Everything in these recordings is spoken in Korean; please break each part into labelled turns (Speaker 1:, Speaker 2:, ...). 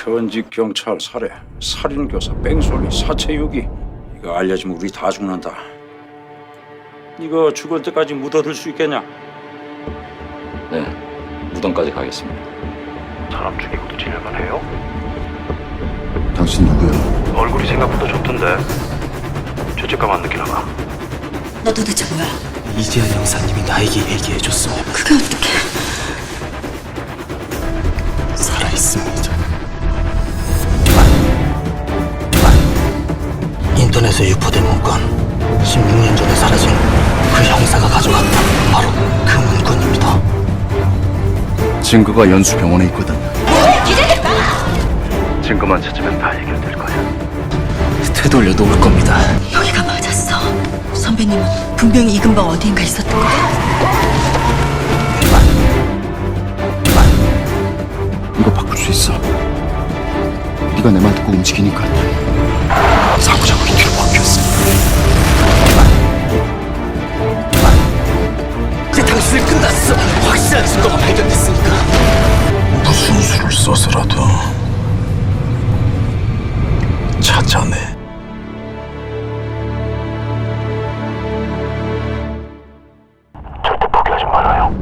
Speaker 1: 현직 경찰 살해, 살인교사, 뺑소니, 사체유기. 이거 알려주면 우리 다 죽는다. 이거 죽을 때까지 묻어둘 수 있겠냐?
Speaker 2: 네, 무덤까지 가겠습니다.
Speaker 3: 사람 죽이고도 지낼만 해요?
Speaker 4: 당신 누구야?
Speaker 3: 얼굴이 생각보다 좋던데 죄책감 안 느끼나 봐.
Speaker 5: 너 도대체 뭐야?
Speaker 6: 이지아 형사님이 나에게 얘기해줬어.
Speaker 5: 그게 어떻게?
Speaker 6: 살아있습니다. 인터넷에 유포된 문건, 16년 전에 사라진 그 형사가 가져갔다. 바로 그 문건입니다.
Speaker 4: 증거가 연수병원에 있거든.
Speaker 3: 증거만 찾으면 다 해결될 거야.
Speaker 6: 되돌려 놓을 겁니다.
Speaker 5: 여기가 맞았어. 선배님은 분명히 이 근방 어디인가 있었던 거야.
Speaker 4: 이거 바꿀 수 있어. 네가 내 말 듣고 움직이니까.
Speaker 6: 자꾸자꾸 뒤로 바뀌었어. 이제 당신을 끝났어. 확실한 증거가 발견됐으니까. 무슨 수를 써서라도 찾아내.
Speaker 3: 절대 포기하지 말아요.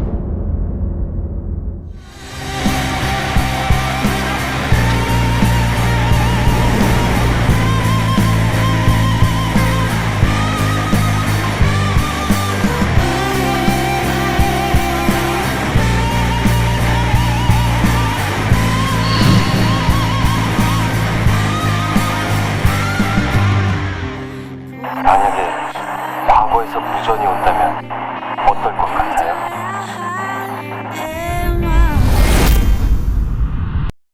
Speaker 3: 만약에 과거에서 무전이 온다면